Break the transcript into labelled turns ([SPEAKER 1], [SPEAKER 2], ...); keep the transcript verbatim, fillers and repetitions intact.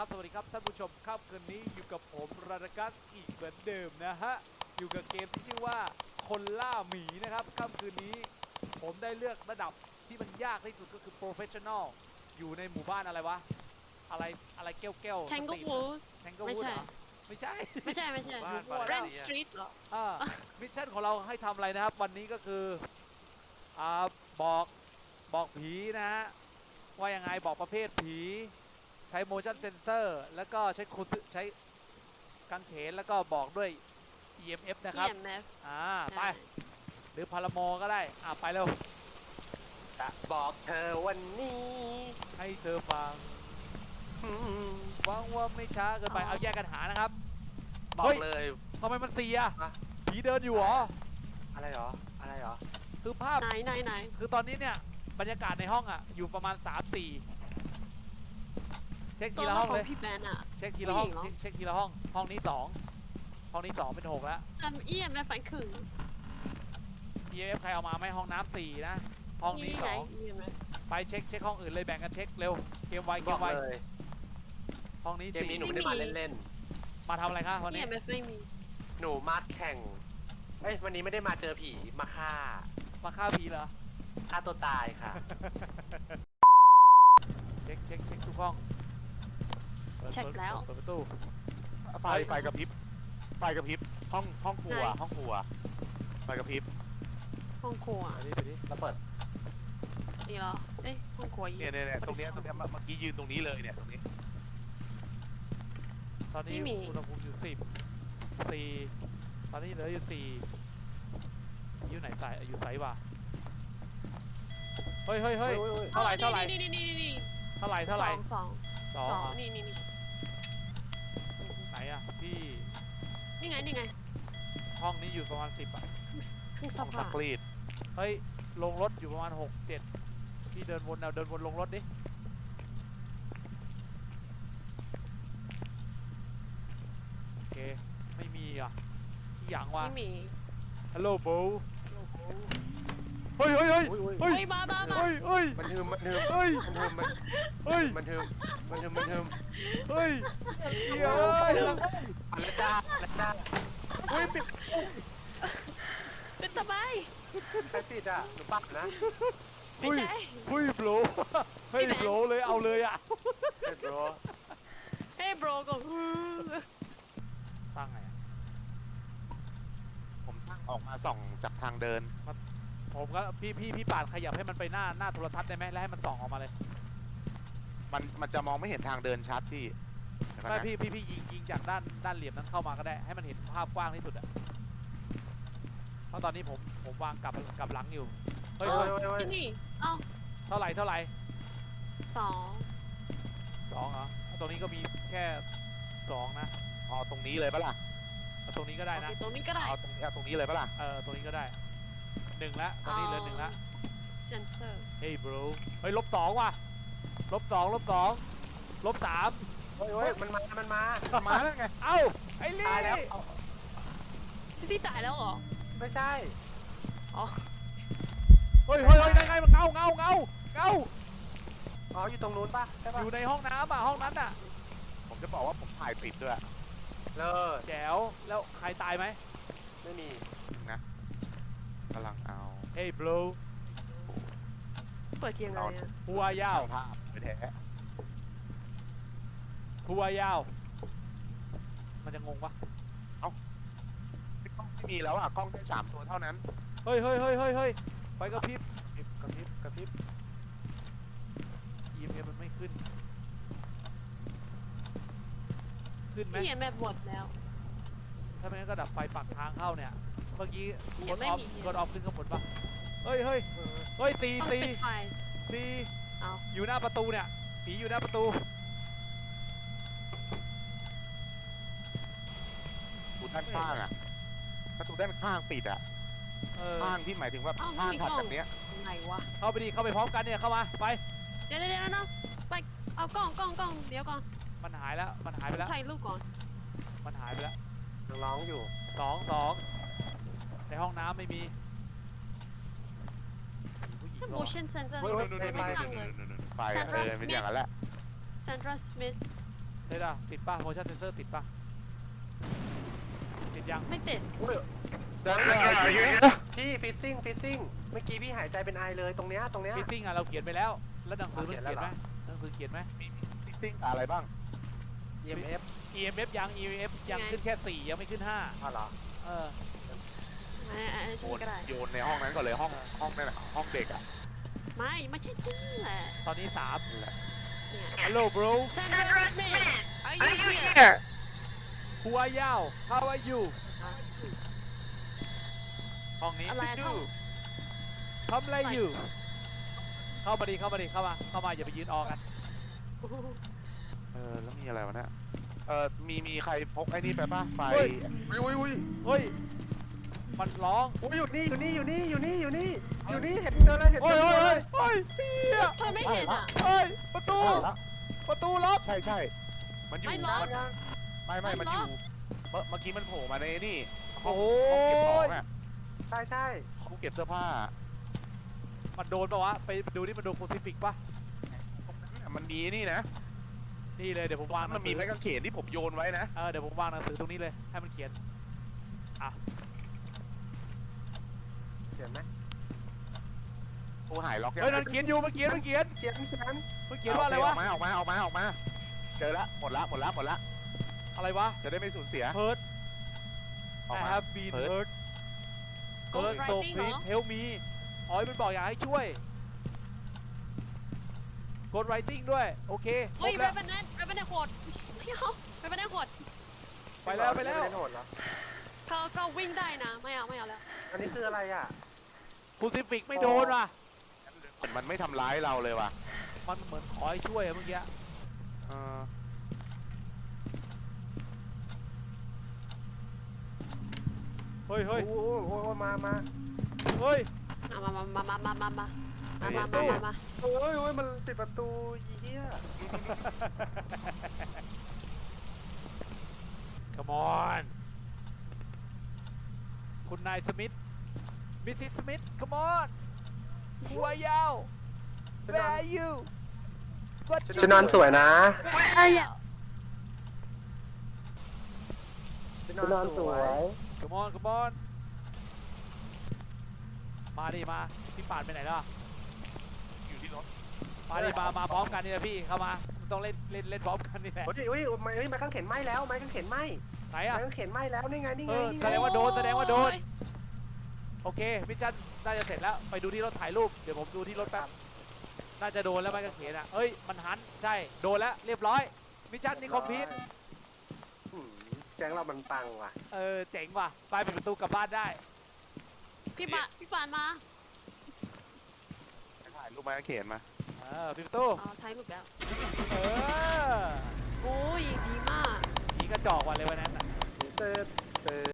[SPEAKER 1] ครับสวัสดีครับท่านผู้ชมค่ำคืนนี้อยู่กับผมราดากัสอีกเหมือนเดิมนะฮะอยู่กับเกมที่ชื่อว่าคนล่าหมีนะครับค่ำคืนนี้ผมได้เลือกระดับที่มันยากที่สุดก็คือ Professional อยู่ในหมู่บ้านอะไรวะอะไรอะไรแก้วแก้ว
[SPEAKER 2] Tanglewood
[SPEAKER 1] แทงเกิลวูดเหรอไม่ใช่
[SPEAKER 2] ไม่ใช่ไม่ใช่ Red Street เหรอ
[SPEAKER 1] อ่ามิชชั่นของเราให้ทำอะไรนะครับวันนี้ก็คืออ่าบอกบอกผีนะฮะว่ายังไงบอกประเภทผีใช้ motion sensor แล้วก็ใช้คูใช้กางเขนแล้วก็บอกด้วย อี เอ็ม เอฟ นะครับ
[SPEAKER 2] อี เอ็ม เอฟ
[SPEAKER 1] อ่าไปหรือพาราโมก็ได้อ่าไปเร็ว
[SPEAKER 3] จะบอกเธอวันนี้
[SPEAKER 1] ให้เธอฟังหวังว่าไม่ช้าเกินไปเอาแยกกันหานะครับ
[SPEAKER 3] บอกเลย
[SPEAKER 1] ทำไมมันเสีย
[SPEAKER 3] อะ
[SPEAKER 1] ผีเดินอยู่เหรอ
[SPEAKER 3] อะไรหรออะไรหรอ
[SPEAKER 1] คือภาพ
[SPEAKER 2] ไหนไหนไหน
[SPEAKER 1] คือตอนนี้เนี่ยบรรยากาศในห้องอ่ะอยู่ประมาณ สาม สี่ เช็ค
[SPEAKER 2] ตั
[SPEAKER 1] ที
[SPEAKER 2] ว
[SPEAKER 1] ละห้อง
[SPEAKER 2] ขอ
[SPEAKER 1] เล
[SPEAKER 2] ง
[SPEAKER 1] ย
[SPEAKER 2] พี่แบนอะ
[SPEAKER 1] เช็คทีละห้อง
[SPEAKER 2] ผู้หญิงเหรอ
[SPEAKER 1] เช็คทีละห้องห้องนี้สองห้องนี้สองเป็นหกแล้ว
[SPEAKER 2] ทำ อี เอ็ม เอฟ ฝันขึง
[SPEAKER 1] อี เอ็ม เอฟ ใครเอามาไหมห้องน้ำสี่นะห้องนี้
[SPEAKER 2] นี่
[SPEAKER 1] ส
[SPEAKER 2] ไง
[SPEAKER 1] อง
[SPEAKER 2] อี เอ็ม เอฟ
[SPEAKER 1] ไปเช็คเช็คห้องอื่นเลยแบ่งกันเช็คเร็วเกมไวเก
[SPEAKER 3] บอ
[SPEAKER 1] ม
[SPEAKER 3] ก
[SPEAKER 1] ไว
[SPEAKER 3] เลย
[SPEAKER 1] ห้องนี้
[SPEAKER 3] เกม
[SPEAKER 1] สี่
[SPEAKER 3] นี้หนูไม่ได้มาเล่น
[SPEAKER 1] มาทำอะไรคะวัน
[SPEAKER 2] อี
[SPEAKER 1] นี้
[SPEAKER 2] เอ็ม เอฟ ไม่มี
[SPEAKER 3] ๆหนูมาแข่งเอ้ยวันนี้ไม่ได้มาเจอผีมาฆ่า
[SPEAKER 1] มาฆ่าผีเหรอ
[SPEAKER 3] ฆ่าตัวตายค่ะ
[SPEAKER 1] เช็คเช็คเช็คทุกห้องปิด
[SPEAKER 2] เช็คแล้ว
[SPEAKER 1] เปิดประตู
[SPEAKER 4] ไฟไฟกระพริบไฟกระพริบห้องห้องครัว
[SPEAKER 2] ไหน
[SPEAKER 4] ห้องครัวไฟกระพริบ
[SPEAKER 2] ห้องครัว
[SPEAKER 1] ไปดิไปดิ
[SPEAKER 3] แล้วเปิด
[SPEAKER 2] นี่เหรอเอ้ยห้องครัวอี
[SPEAKER 4] เนี่ยเนี่ยเนี่ยตรงเนี้ยตรงเนี้ยเมื่อกี้ยืนตรงนี้เลยเนี่ยตรงนี้
[SPEAKER 1] ตอนนี้อุณหภูมิอยู่สิบสี่ตอนนี้เหลืออยู่สี่อยู่ไหนสายอยู่ไซส์วะเฮ้ยเฮ้ยเฮ้ย เท่าไหร่เท่าไหร่
[SPEAKER 2] นี่นี่นี่นี่นี่
[SPEAKER 1] เท่าไหร่เท่าไหร่
[SPEAKER 2] สองสอง
[SPEAKER 1] สอง
[SPEAKER 2] สอง
[SPEAKER 1] เหรอ
[SPEAKER 2] นี่นี่นี่
[SPEAKER 1] ไหนอ่ะพี่
[SPEAKER 2] นี่ไงนี่ไง
[SPEAKER 1] ห้องนี้อยู่ประมาณสิบอ่ะ
[SPEAKER 2] เครื่อง
[SPEAKER 4] ห้
[SPEAKER 2] ซั
[SPEAKER 4] อก งซั
[SPEAKER 2] ผ้าก
[SPEAKER 4] รีด
[SPEAKER 1] เฮ้ยลงรถอยู่ประมาณหกเจ็ดพี่เดินวนเอาเดินวนลงรถดิโอเคไม่มีอ่ะที่อย่างวะ
[SPEAKER 2] ไม่มี
[SPEAKER 1] ฮัลโหลโบเฮ้ยเฮ้ยเฮ้ย
[SPEAKER 3] อุ้ยอุ้ย
[SPEAKER 1] เฮ้ย
[SPEAKER 2] เฮ้ยมามามา
[SPEAKER 1] เฮ้ยเฮ้ย
[SPEAKER 3] มันหืมมันหืม
[SPEAKER 1] เฮ้ย
[SPEAKER 3] มันหืมมัน
[SPEAKER 1] เฮ้ย
[SPEAKER 3] มันหืมมันหืมมันหืม
[SPEAKER 1] เฮ้ยเฮ้ย
[SPEAKER 3] อันละจ้าอันละจ้าอุ้ยปิด
[SPEAKER 2] เป็นทำไม
[SPEAKER 3] ใครปิดอ่ะหนูปักนะ
[SPEAKER 2] ไม่ใช่
[SPEAKER 1] เฮ้ยโบรเฮ้ยโบรเลยเอาเลยอ่ะ
[SPEAKER 3] เปิดรอ
[SPEAKER 2] เฮ้ยโบรก็ฮือ
[SPEAKER 1] ตั้งไงอะ
[SPEAKER 4] ผมตั้งออกมาส่องจากทางเดิน
[SPEAKER 1] ผมก็พี่พี่พี่ปาดขยับให้มันไปหน้าหน้าโทรทัศน์ได้ไหมแล้วให้มันส่องออกมาเลย
[SPEAKER 4] มันมันจะมองไม่เห็นทางเดินชัดพี่เดี๋ยวก่อน
[SPEAKER 1] ใช่
[SPEAKER 4] นะ
[SPEAKER 1] พี่พี่พี่ยิงยิงจากด้านด้านเหลี่ยมนั้นเข้ามาก็ได้ให้มันเห็นภาพกว้างที่สุดอะเพราะตอนนี้ผมผมวางกลับกลับหลังอยู่เฮ้ย
[SPEAKER 3] โอ้
[SPEAKER 1] เฮ้
[SPEAKER 3] ย
[SPEAKER 1] ย
[SPEAKER 3] โอ้ยโอ้ย
[SPEAKER 2] ที่นี่เอ้า
[SPEAKER 1] เท่าไหร่เท่าไหร่
[SPEAKER 2] สอง
[SPEAKER 1] สองเหรอตรงนี้ก็มีแค่สองนะ
[SPEAKER 4] เอาตรงนี้เลยปะล่ะ
[SPEAKER 1] เอาตรงนี้ก็ได้
[SPEAKER 2] โอ
[SPEAKER 1] นะ
[SPEAKER 2] เคตรงนี้ก็ได้
[SPEAKER 4] เอาตรงนี้เอาตรงนี้เลยปะล่ะ
[SPEAKER 1] เออตรงนี้ก็ได้หนึ่งละตอนนี้เหลือหนึ่งละ
[SPEAKER 2] เซนเซอร์
[SPEAKER 1] เฮ้ย bro เฮ้ยลบสองว่ะลบสองลบสองลบสาม
[SPEAKER 3] โอ้ยโอ้ยมันมา มันมา
[SPEAKER 4] มาแล้วไง
[SPEAKER 1] เอ้าไอ้ลี่
[SPEAKER 3] ตายแล้วเอา
[SPEAKER 2] ซิตี้ตายแล้วเหรอ
[SPEAKER 3] ไม่ใช่
[SPEAKER 2] อ๋อ
[SPEAKER 1] เฮ้ยเฮ้ยเฮ้ยนั่นไงมันเงาเงาเงาเงา
[SPEAKER 3] อ๋ออยู่ตรงนู้นป่ะใช่
[SPEAKER 1] อ
[SPEAKER 3] ป่ะ
[SPEAKER 1] ยู่ในห้องน้ำอ่ะห้องนั้นอ่ะ
[SPEAKER 4] ผมจะบอกว่าผมถ่ายติดด้วย
[SPEAKER 3] เลิศ
[SPEAKER 1] แจ๋วแล้วใครตายไหม
[SPEAKER 3] ไม่มี
[SPEAKER 4] นะกำลังเอา
[SPEAKER 1] เฮ้ย bro
[SPEAKER 2] เปิดยังไงอะ
[SPEAKER 1] หัวยาว
[SPEAKER 4] ช่างภาพไปแท้
[SPEAKER 1] หัวยาวมันจะงงปะ
[SPEAKER 4] ไม่ต้องไม่มีแล้วอ่ะกล้องได้สามตัวเท่านั้น
[SPEAKER 1] เฮ้ยเฮ้ยเฮ้ยเฮ้ยเฮ้ยไฟกระพริบ
[SPEAKER 3] กระพริบกระพริบ
[SPEAKER 1] อี เอ็ม เอฟ มันไม่ขึ้นขึ้นไหม
[SPEAKER 2] พี่เห็นแบบหมดแล้ว
[SPEAKER 1] ถ้าไม่งั้นก็ดับไฟปักทางเข้าเนี่ยเมื่อกี้ก
[SPEAKER 2] ยั
[SPEAKER 1] ด
[SPEAKER 2] งไม่
[SPEAKER 1] ออฟ
[SPEAKER 2] มี
[SPEAKER 1] กดออฟขึ้นข้างบนปะเฮ้ยเฮ้ย
[SPEAKER 3] เออ
[SPEAKER 1] เฮ้ยตี
[SPEAKER 2] ต้อง
[SPEAKER 1] ตี
[SPEAKER 2] ปิดไฟ
[SPEAKER 1] ตี
[SPEAKER 2] เอา
[SPEAKER 1] อยู่หน้าประตูเนี่ยผีอยู่หน้าประตู
[SPEAKER 4] ประตูด้านข้างอ่ะประตูด้านข้างปิดอ่ะ
[SPEAKER 1] เออ
[SPEAKER 4] ข้างที่หมายถึงว่า
[SPEAKER 2] เอ้า
[SPEAKER 4] ข้าง
[SPEAKER 2] มี
[SPEAKER 4] ถัด
[SPEAKER 2] กล้อง
[SPEAKER 4] จากเนี้ย
[SPEAKER 2] ไหนวะ
[SPEAKER 1] เข้าไปดิเข้าไปพร้อมกันเนี่ยเข้ามาไป
[SPEAKER 2] เดี๋ยวเดี๋ยวเดี๋ยวนะไปเอากล้องกล้องกล้องเดี๋ยวก่อน
[SPEAKER 1] มันหายแล้วมันหายไปแล้ว
[SPEAKER 2] ถ่ายรูปก่อน
[SPEAKER 1] มันหายไปแล้ว
[SPEAKER 3] ยังร้องอยู่
[SPEAKER 1] สองสองในห้องน้ำไม่มีผู้หญิง
[SPEAKER 2] ถ้า
[SPEAKER 1] เหรอ
[SPEAKER 2] motion sensor
[SPEAKER 3] เฮ้ย
[SPEAKER 2] นี่
[SPEAKER 3] เฮ้ย
[SPEAKER 2] ไม่
[SPEAKER 3] ไฟ
[SPEAKER 2] ตั้งเลย
[SPEAKER 4] ไฟ
[SPEAKER 2] Sandra
[SPEAKER 4] เออเป็นอย่างนั้นแหละ
[SPEAKER 2] Sandra Smith
[SPEAKER 1] เลยอ่ะติดป่ะ motion sensor ติดป่ะ ติดยัง
[SPEAKER 2] ไม่ติด
[SPEAKER 3] อุ้ย
[SPEAKER 4] Stand by
[SPEAKER 3] พี่ฟิซซิ่งฟิซซิ่งเมื่อกี้พี่หายใจเป็นไอเลยตรงเนี้ยตรงเนี้ย
[SPEAKER 1] ฟิตติ้งอ่ะเราเขียนไปแล้ว แล้วหนังสือมัน
[SPEAKER 3] เขียน
[SPEAKER 1] เขียน
[SPEAKER 3] แล้ว
[SPEAKER 1] ไหม
[SPEAKER 3] เหรอ
[SPEAKER 1] หนังสือเขียนไหม
[SPEAKER 4] ฟิตติ้งอะไรบ้าง
[SPEAKER 3] อี เอ็ม เอฟ
[SPEAKER 1] อี เอ็ม เอฟ ยัง อี เอ็ม เอฟ ยังขึ้นแค่สี่ยังไม่ขึ้นห้า
[SPEAKER 3] อ๋อเหรอ
[SPEAKER 1] เออ
[SPEAKER 2] อันนี้อันนี้
[SPEAKER 4] โย
[SPEAKER 2] ฉัน
[SPEAKER 4] น
[SPEAKER 2] ก็ได้
[SPEAKER 4] โยนในห้องนั้นก่อนเลยห้องห้องนั่นน่ะห้องเด็กอ่ะ
[SPEAKER 2] ไม่ไม่ใช่ที่แหละ
[SPEAKER 1] ตอนนี้สาม
[SPEAKER 4] นั่นแหละ
[SPEAKER 2] เนี่ย
[SPEAKER 1] Hello bro
[SPEAKER 2] Sandra Smith are you here
[SPEAKER 1] Who are you How are you ห้องนี้
[SPEAKER 2] อะไรอะท่อง
[SPEAKER 1] ทำอะไรอยู่ เข้ามาดิเข้ามาดิเข้ามาเข้ามาอย่าไปยืนออกกัน
[SPEAKER 4] เออแล้วมีอะไรวะเนี่ยเออมีมีใครพกไอ้นี่ไปป่ะไฟ
[SPEAKER 1] เฮ้ย
[SPEAKER 3] อุ้ยอุ้ยอุ้ย
[SPEAKER 1] เฮ้ย มันร้อง
[SPEAKER 3] อุ้ยอยู่นี่อยู่นี่อยู่นี่อยู่นี่อยู่นี่อยู่นี่เห็นเดินเลยเห็น
[SPEAKER 1] เฮ้
[SPEAKER 3] เดิ
[SPEAKER 1] ย
[SPEAKER 3] น
[SPEAKER 1] เฮ้
[SPEAKER 3] เลย ย
[SPEAKER 1] เฮ้ยเฮีย
[SPEAKER 2] เธอไม่เห็นอ่ะ
[SPEAKER 1] เฮ้ย ประตู
[SPEAKER 4] เอาละ
[SPEAKER 1] ประตูล็อก
[SPEAKER 4] ใช่ใช่มันอยู่
[SPEAKER 2] ไม่ล็อก
[SPEAKER 4] มันไม่ไม่มันอยู่เมื่อเมื่อกี้มันโผล่มาในนี่ห้อง
[SPEAKER 1] โอ้
[SPEAKER 4] ห้องเก็บของ
[SPEAKER 1] ย
[SPEAKER 4] อ่ะ
[SPEAKER 3] ใช่ใช่
[SPEAKER 4] ห้องเก็บเสื้อผ้า
[SPEAKER 1] มันโดนปะวะ ไปดูนี่มันโดนโคซิฟิกปะ
[SPEAKER 4] มันมีนี่นะ
[SPEAKER 1] นี่เลยเดี๋ยวผมวางห
[SPEAKER 4] มั
[SPEAKER 1] นั
[SPEAKER 4] น
[SPEAKER 1] ง
[SPEAKER 4] มี
[SPEAKER 1] สือ
[SPEAKER 4] ไม้กางเขนที่ผมโยนไว้นะ
[SPEAKER 1] เออเดี๋ยวผมวางหนังสือตรงนี้เลย ให้มันเขียน
[SPEAKER 3] เขียนไหม
[SPEAKER 4] โอ้หายล็อกยัง
[SPEAKER 1] เฮ้ยนั่นเขียนอยู่มันเขียนมันเขียน
[SPEAKER 3] เขียนเขียน
[SPEAKER 1] มันเขียนว่าอะไรวะ
[SPEAKER 4] ออกมาออกมาออกมาออกมาเจอละหมดละหมดละหมดละ
[SPEAKER 1] อะไรวะ
[SPEAKER 4] จะได้ไม่สูญเสีย
[SPEAKER 1] hurt
[SPEAKER 4] ออก
[SPEAKER 1] I
[SPEAKER 4] มา
[SPEAKER 1] have been
[SPEAKER 4] hurt
[SPEAKER 1] hurt
[SPEAKER 2] Ghost
[SPEAKER 1] hurt so
[SPEAKER 2] writing เหรอ
[SPEAKER 1] please help me อ๋อมันบอกอยากให้ช่วย Ghost writing ด้วย โอเคคร
[SPEAKER 2] เฮ้ย
[SPEAKER 1] บ
[SPEAKER 2] เร
[SPEAKER 1] แล้ว
[SPEAKER 2] เบนเนตเรเบนเนตโหดไม่เอาเรเบนเนตโหด
[SPEAKER 1] ไปแล้วไปแล้ว
[SPEAKER 3] ม่ด้โหดเหรอ
[SPEAKER 2] เขาก็วิ่งได้นะ ไม่เอาไม่เอาแล้ว
[SPEAKER 3] อันนี้คืออะไรอ่ะ
[SPEAKER 1] คูซิฟิกไม่โดนว่ะ
[SPEAKER 4] มันไม่ทำร้ายเราเลยว่ะ
[SPEAKER 1] มันเหมือนขอให้ช่วยอะเมื่อกี้
[SPEAKER 4] เออ
[SPEAKER 1] เฮ้ยเฮ้ย
[SPEAKER 3] โอ้โหโอ้โหมามา
[SPEAKER 1] เฮ้ย
[SPEAKER 2] มามามามามามามามามามามามามา
[SPEAKER 3] โอ้ยโอ้ยมันปิดประตูอีเหี้ย
[SPEAKER 1] Come on คุณนายสมิธ มิสซิสสมิธ Come on หัวยาว Where are you What
[SPEAKER 3] ชุดนอนสวยนะ
[SPEAKER 2] อะไรอ่ะ
[SPEAKER 3] ชุดนอนสวย
[SPEAKER 1] Come on Come on มาดิมา พี่ป่านไปไหนล่ะ
[SPEAKER 4] อยู่ที่รถ
[SPEAKER 1] มาดิมา มาพร้อมกันนี่แหละพี่ เข้ามา ต้องเล่นเล่นเล่นพร้อมกันนี่แหละ
[SPEAKER 3] โอ้ยอุ้ยไม้ไม้กางเขนไหม้แล้วไม้กางเขนไหม้
[SPEAKER 1] ไหน
[SPEAKER 3] ไม้
[SPEAKER 1] อะ
[SPEAKER 3] กางเขนไหม้แล้วนี่ไงนี่
[SPEAKER 1] เอ
[SPEAKER 3] ไง
[SPEAKER 1] อ
[SPEAKER 3] นี่
[SPEAKER 1] แส
[SPEAKER 3] ไง
[SPEAKER 1] ดงว่าโดนแสดงว่าโดน โอเคมิชชั่นน่าจะเสร็จแล้ว ไปดูที่รถถ่ายรูป เดี๋ยวผมดูที่รถแป๊บ น่าจะโดนแล้วไม้กางเขนอ่ะเอ้ย มันหัน ใช่ โดนแล้วเรียบร้อย มิชชั่นนี่คอมพลีท
[SPEAKER 3] อืมแก๊งเรามันปังว่ะ
[SPEAKER 1] เออ เจ๋งว่ะ ไปปิดประตูกลับบ้านได้
[SPEAKER 2] พี่ปานพี่ปานมา
[SPEAKER 4] ถ่ายรูปไม้กางเขนมา
[SPEAKER 1] เออปิดประตู
[SPEAKER 2] อ๋อถ่ายรูปแล้ว
[SPEAKER 1] เออ